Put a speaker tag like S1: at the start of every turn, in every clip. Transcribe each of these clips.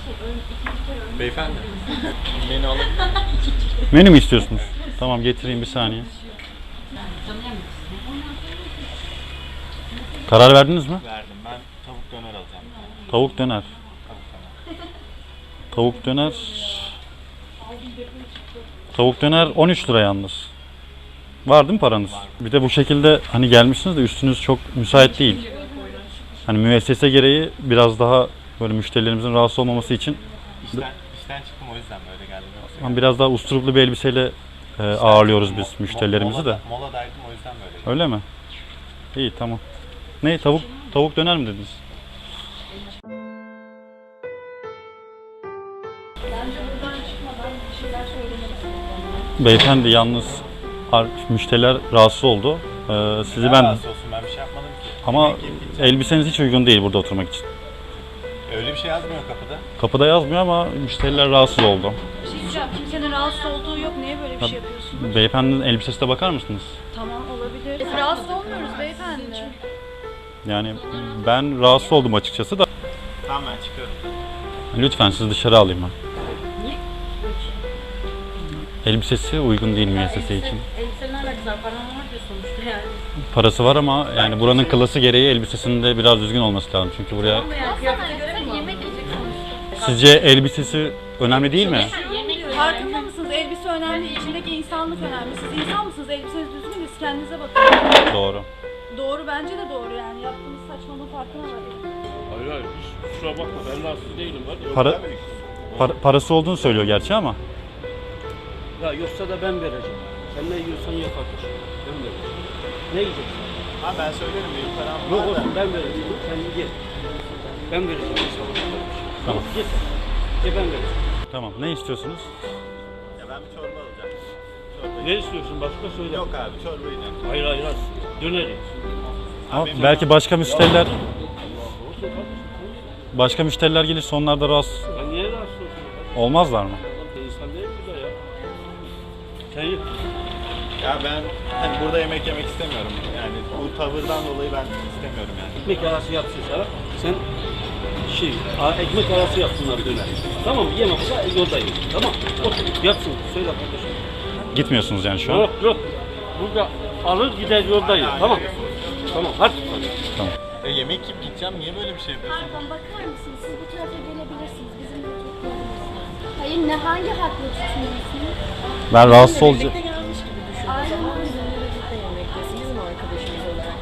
S1: Beyefendi. Menü alabilir miyim?
S2: Menü mü istiyorsunuz? Tamam getireyim bir saniye. Karar verdiniz mi?
S1: Verdim. Ben tavuk döner alacağım.
S2: Tavuk döner. Tavuk döner. Tavuk döner 13 lira yalnız. Var değil mi paranız? Bir de bu şekilde hani gelmişsiniz de üstünüz çok müsait değil. Hani müessese gereği biraz daha böyle müşterilerimizin rahatsız olmaması için
S1: İşten çıktım, o yüzden böyle geldim.
S2: hani biraz daha usturuplu bir elbiseyle ağırlıyoruz biz müşterilerimizi de.
S1: Moladaydım, o yüzden böyle geldim.
S2: Öyle mi? İyi tamam. Ne tavuk döner mi dediniz?
S3: Bence buradan çıkmadan bir şeyler söylemelisin.
S2: Beyefendi yalnız müşteriler rahatsız oldu. Sizi ben
S1: Rahatsız olsun, ben bir şey yapmadım ki.
S2: ama
S1: Yemek yiyip gideceğim.
S2: elbiseniz hiç uygun değil burada oturmak için.
S1: Öyle bir şey yazmıyor kapıda.
S2: Kapıda yazmıyor ama müşteriler rahatsız oldu.
S3: Bir şey diyeceğim. Kimsenin rahatsız olduğu yok. Niye böyle bir şey yapıyorsun?
S2: Beyefendinin elbisesine bakar mısınız?
S3: Tamam olabilir. Biz rahatsız olmuyoruz beyefendi.
S2: Yani ben rahatsız oldum açıkçası da.
S1: Tamam, ben çıkıyorum.
S2: Lütfen sizi dışarı alayım ben. Elbisesi uygun değil müessese için.
S3: Elbisenin alakası var. Paran var diyor sonuçta yani.
S2: Parası var ama yani buranın klası gereği elbisesinin de biraz düzgün olması lazım. Çünkü buraya...
S3: Ama yani kıyafete göre mi? Yemek yiyecek sonuçta.
S2: Sizce elbisesi önemli değil mi?
S4: Farkında mısınız? Elbise önemli, içindeki insanlık önemli. Siz insan mısınız? Elbiseniz düzgün mü? Siz kendinize bakın.
S2: Doğru.
S4: Doğru, bence de doğru yani. Yaptığınız saçmalığın farkına varın.
S5: Hayır hayır, hiç kusura bakma, ben rahatsız değilim. Var.
S2: Parası olduğunu söylüyor gerçi ama.
S5: Ya yoksa da ben vereceğim. Sen ne yiyorsan ye kardeşim. Ben vereceğim. Ne yiyeceksin?
S1: Ha, ben söylerim, benim param
S5: Yok
S1: var da.
S5: olsun, ben vereceğim. Sen ye. Ben vereceğim sana kardeşim.
S2: Tamam.
S5: Ye sen. Ye ben vereceğim.
S2: Tamam. Ne istiyorsunuz?
S1: Ya ben bir çorba alacağım. Çorba
S5: Ne istiyorsun? Başka söyle.
S1: Yok abi, çorba yiyeceğim.
S5: Hayır hayır hayır. Döner ye.
S2: Ama
S1: benim
S2: belki başka müşteriler
S5: Olsun kardeşim.
S2: başka müşteriler gelirse onlar da rahatsız
S5: Ya niye rahatsız olsun?
S2: olmazlar mı?
S5: İnsan değil mi da ya? Sen ye.
S1: Ya ben hani burada yemek yemek istemiyorum. Yani bu tavırdan dolayı ben istemiyorum yani.
S5: Ekmek arası yapsın sana. Sen ekmek arası yapsınlar döner. Tamam mı? Yemezse yolda ye. Tamam. Otur. Yapsın. Söyle kardeşim.
S2: Gitmiyorsunuz yani şu an.
S5: Yok yok. Burada alır gider yolda yer. Tamam. Tamam hadi.
S1: Yemek yiyip gideceğim, niye böyle bir şey yapıyorsun?
S6: Pardon, bakar mısınız? Siz bu tarafa gelebilirsiniz. Bizim de oturtmamız. Hayır, ne hangi hakla tutuyorsunuz?
S2: Ben rahatsız olacağım.
S6: Aynen.
S3: Bizim arkadaşımız olarak.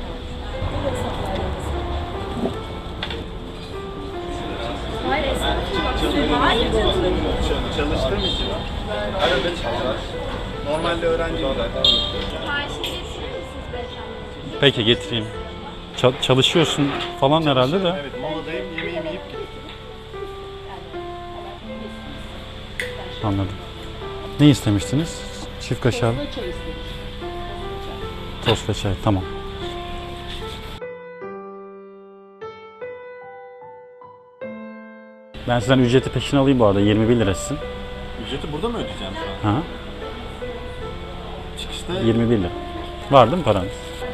S6: Hayır, estağfurullah. Hayır,
S1: Çalıştığım için arada çalışıyorum. Normalde öğrenciyim zaten.
S6: siparişini getirir misiniz beyefendi?
S2: Peki getireyim. Çalışıyorsun falan herhalde de.
S1: Evet, moladayım, yemeğimi yiyip gideceğim.
S2: Anladım. Ne istemiştiniz? Çift kaşar. Tost ve çay. Tamam. Ben sizden ücreti peşin alayım bu arada. 21 lira sizin.
S1: Ücreti burada mı ödeyeceğim şu an?
S2: Ha?
S1: Çıkışta
S2: 21 lira. Var değil mi paranız?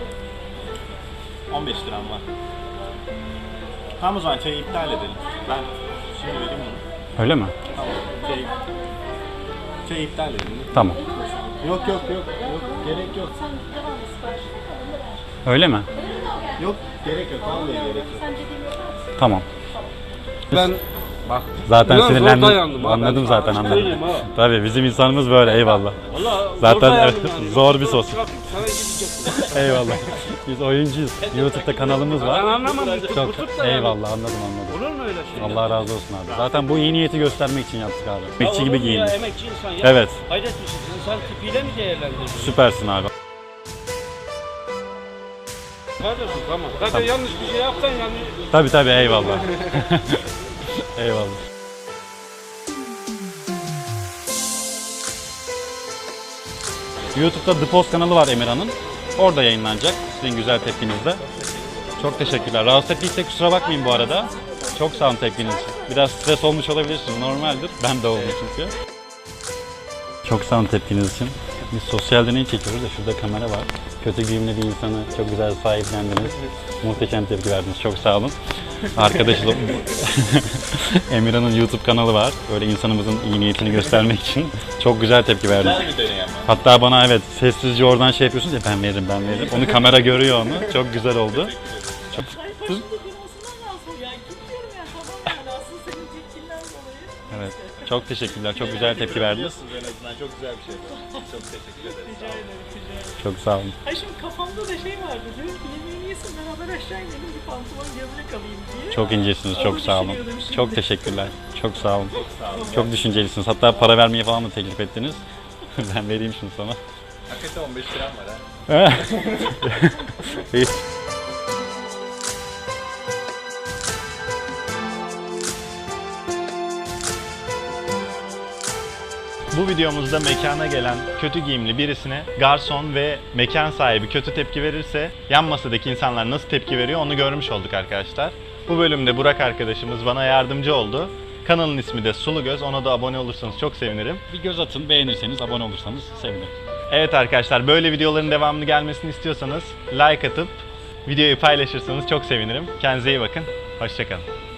S1: 15 liram var. Tamam, o zaman çayı iptal edelim. Ben şimdi vereyim bunu.
S2: Öyle mi?
S1: Tamam, çayı iptal edelim.
S2: Tamam.
S1: Yok, gerek yok.
S2: Öyle mi?
S1: Yok, gerek yok, vallahi gerek yok.
S2: Tamam.
S5: Ben bak.
S2: Zaten
S5: Ulan zor
S2: sinirlendim.
S5: dayandım ha,
S2: Anladım
S5: ben
S2: zaten
S5: sana
S2: anladım.
S5: söyleyeyim ha.
S2: Tabii bizim insanımız böyle eyvallah.
S5: Vallahi
S2: Zaten
S5: zor dayandım
S2: evet,
S5: yani.
S2: zor bir sos.
S5: Sana gidecek.
S2: Eyvallah. Biz oyuncuyuz. YouTube'da kanalımız
S5: Ben
S2: var.
S5: anlamadım.
S2: Çok
S5: Tutup da yani.
S2: eyvallah anladım.
S5: Olur mu öyle şey?
S2: Allah razı olsun abi. Zaten bu iyi niyeti göstermek için yaptık abi.
S5: Ya
S2: Emekçi
S5: olur
S2: gibi
S5: mu ya,
S2: giyindik.
S5: emekçi insan ya.
S2: Evet.
S5: Hayret bir şey. İnsan tipiyle mi değerlendiriyorsun?
S2: Süpersin abi.
S5: Kardeşim tamam. Zaten yanlış bir şey yapsan yani.
S2: Tabii eyvallah. Eyvallah. YouTube'da The Post kanalı var Emirhan'ın. Orada yayınlanacak sizin güzel tepkinizle. Çok teşekkürler. Rahatsız ettiysek kusura bakmayın bu arada. Çok sağ olun tepkiniz için. Biraz stres olmuş olabilirsiniz. Normaldir. Ben de oldum çünkü. Çok sağ olun tepkiniz için. Biz sosyal deney çekiyoruz da şurada kamera var. kötü giyimli bir insanı çok güzel sahiplendiniz. Muhteşem tepki verdiniz. Çok sağ olun. Arkadaşım Emirhan'ın YouTube kanalı var. Böyle insanımızın iyi niyetini göstermek için çok güzel tepki verdiniz.
S1: Güzel bir deney ama.
S2: Hatta bana evet sessizce oradan şey yapıyorsunuz ya ben veririm. Onu kamera görüyor onu. Çok güzel oldu. Çok...
S4: Başında durmasından lazım yani. Gitmiyorum yani. Tamam yani aslında senin tepkinden dolayı.
S2: Evet. Çok teşekkürler. Çok güzel tepki verdiniz.
S1: En azından çok güzel bir şey. Çok teşekkür ederim.
S4: Rica ederim, rica ederim.
S2: Çok sağ olun.
S4: Ay şimdi kafamda da şey vardı. Dedim ki yemeğini yesin beraber aşağı inelim bir pantolon gömlek alayım diye.
S2: Çok incesiniz. Çok
S4: Onu
S2: sağ olun.
S4: düşünüyordum şimdi.
S2: Çok teşekkürler. Çok sağ olun. Çok düşüncelisiniz. Hatta para vermeye falan mı teklif ettiniz? Ben vereyim şunu sana.
S1: Hakikaten 15 liram var ha.
S2: İyi.
S1: Bu videomuzda mekana gelen kötü giyimli birisine garson ve mekan sahibi kötü tepki verirse yan masadaki insanlar nasıl tepki veriyor onu görmüş olduk arkadaşlar. Bu bölümde Burak arkadaşımız bana yardımcı oldu. Kanalın ismi de Sulu Göz. Ona da abone olursanız çok sevinirim.
S2: Bir göz atın, beğenirseniz, abone olursanız sevinirim.
S1: Evet arkadaşlar, böyle videoların devamını gelmesini istiyorsanız like atıp videoyu paylaşırsanız çok sevinirim. Kendinize iyi bakın. Hoşça kalın.